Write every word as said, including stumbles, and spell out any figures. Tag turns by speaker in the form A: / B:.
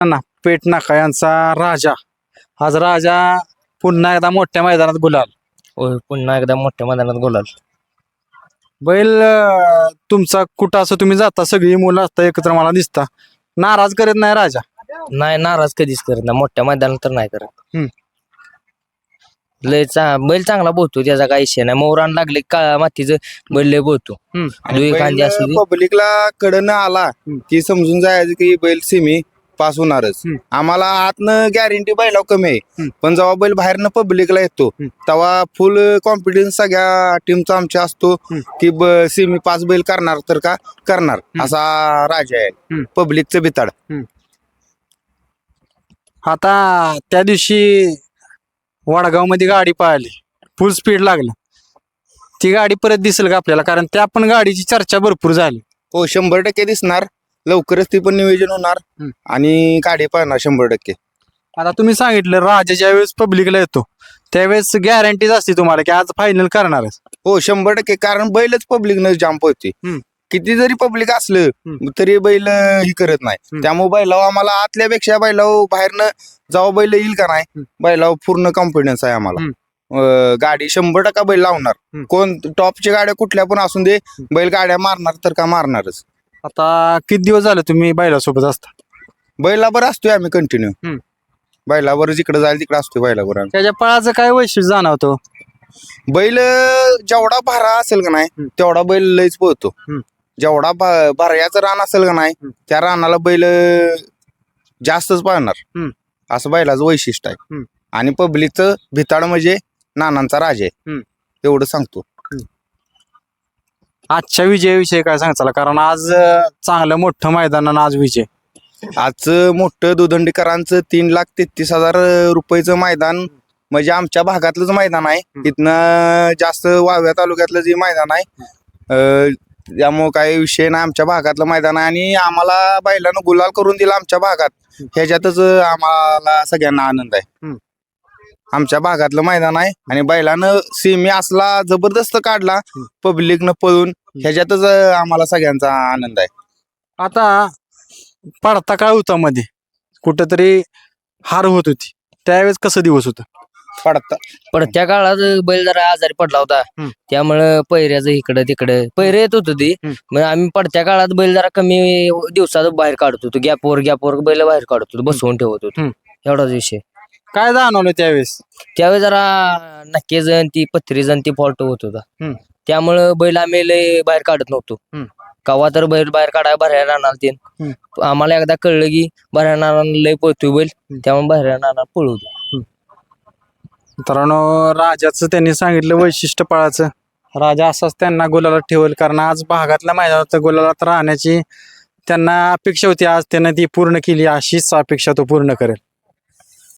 A: ना पेट नाका यांचा राजा. आज राजा पुन्हा एकदा मोठ्या मैदानात गुलाल.
B: होय पुन्हा एकदा मोठ्या मैदानात गोलाल.
A: बैल अं, तुमचा कुठं असं तुम्ही जाता सगळी मुलं असता एकत्र मला दिसता, नाराज करत नाही राजा.
B: नाही नाराज कधीच करत नाही, मोठ्या मैदानात तर नाही करत.
A: हम्म.
B: लय चा बैल चांगला बोलतो, त्याचा काही विषय नाही. मोरान लागले काळ्या मातीचं बैल लय बोलतो. दुई कांदी असू दे.
C: पब्लिकला कडनं आला की समजून जायचं की बैल सेमी पास होणारच.
A: हम्म.
C: आम्हाला आतनं गॅरंटी बैलाव कमी आहे,
A: हम्म.
C: पण जेव्हा बैल बाहेरनं पब्लिकला येतो
A: हम्म.
C: तेव्हा फुल कॉन्फिडन्स सगळ्या टीमचा आमच्या असतो की सेमी पास बैल करणार तर का करणार असा राजा आहे
A: हम्म.
C: पब्लिकचं बिताड.
A: आता त्या दिवशी वडगाव मध्ये गाडी पळाली, फुल स्पीड लागलं. ती गाडी परत दिसेल का आपल्याला? कारण त्या पण गाडीची चर्चा भरपूर झाली.
C: हो शंभर टक्के दिसणार लवकरच ती पण नियोजन होणार
A: हम्म.
C: आणि गाडी पळणार शंभर टक्के.
A: आता तुम्ही सांगितलं राजा ज्या वेळेस पब्लिकला येतो त्यावेळेस गॅरंटीज असते तुम्हाला की आज फायनल करणारच.
C: हो शंभर टक्के, कारण बैलच पब्लिक न जाम पळते.
A: हम्म.
C: किती जरी पब्लिक असलं
A: हम्म.
C: तरी बैल ही करत नाही.
A: हम्म.
C: त्यामुळे बैलाव आम्हाला आतल्यापेक्षा बैलाव बाहेरनं जेव्हा बैल येईल का नाही
A: हम्म.
C: बैलाव पूर्ण कॉन्फिडन्स आहे आम्हाला. अं, गाडी शंभर टक्का बैल लावणार.
A: हम्म.
C: कोण टॉपच्या गाड्या कुठल्या पण असून दे बैल गाड्या मारणार तर का मारणारच.
A: आता किती दिवस झाले तुम्ही बैलासोबत असता?
C: बैलावर असतोय आम्ही कंटिन्यू.
A: हम्म.
C: बैलावर जिकडे जाईल तिकडे असतोय बैलावर आम्ही.
A: त्याच्या पळाचं काय वैशिष्ट्य जाणवतो?
C: बैल जेवढा भारा असेल का नाही
A: हम्म.
C: तेवढा बैल लयच पळतो.
A: हम्म.
C: जेवढा भा- भाऱ्याचं रान असेल का नाही
A: हम्म.
C: त्या रानाला बैल जास्तच पळणार
A: हम्म.
C: असं बैलाचं वैशिष्ट्य आहे.
A: हम्म.
C: आणि पब्लिकचं भिताड म्हणजे नानांचा राजा आहे
A: हम्म.
C: एवढं सांगतो.
A: आजच्या विजयाविषयी काय सांगचाल? कारण आज अं, चांगलं मोठं मैदान आणि आज विजय.
C: आजचं मोठं दुधंडीकरांचं तीन लाख तेहतीस हजार रुपयाचं मैदान म्हणजे आमच्या भागातलंच मैदान आहे. इथनं जास्त वाव्या तालुक्यातलं जे मैदान आहे अं, त्यामुळं काही विषय नाही. आमच्या भागातलं मैदान आहे आणि आम्हाला बैलानं गुलाल करून दिला आमच्या भागात, ह्याच्यातच आम्हाला सगळ्यांना आनंद आहे.
A: हम्म.
C: आमच्या भागातलं मैदान आहे आणि बैलानं सेमी असला जबरदस्त काढला पब्लिकनं पळून, ह्याच्यातच आम्हाला सगळ्यांचा आनंद आहे.
A: आता पडता काळ होता मध्ये कुठंतरी हार होत होती, त्यावेळेस कसं दिवस होतं?
C: पडता
B: पण त्या काळात बैल जरा आजारी पडला होता,
A: हम्म.
B: त्यामुळं पहिऱ्याचं इकडं तिकडं पहिरे येत होतं ती.
A: हम्म.
B: मग आम्ही पडत्या काळात बैल जरा कमी दिवसात बाहेर काढत होतो, गॅपवर गॅपवर बैल बाहेर काढत होतो, बसवून ठेवत होतो.
A: हम्म.
B: एवढाच विषय.
A: काय जाणवलं त्यावेळेस?
B: त्यावेळी जरा नक्की जण ती पथरी जण ती फॉल्ट होत होता,
A: हम्म.
B: त्यामुळं बैल आम्ही लय बाहेर काढत नव्हतो.
A: हम्म.
B: कवा तर बैल बाहेर काढाय बाहेर राहणार ते.
A: हम्म.
B: आम्हाला एकदा कळलं की बाहेर राहणार लय पळतोय बैल, त्यामुळे बाहेर राहणार पळवतो.
A: मित्रांनो राजाचं त्यांनी सांगितलं वैशिष्ट्य पळाचं. राजा असाच त्यांना गुलाला ठेवल, कारण आज भागातल्या मैदानात गुलालात राहण्याची त्यांना अपेक्षा होती. आज त्यानं ती पूर्ण केली, अशीच अपेक्षा तो पूर्ण करेल.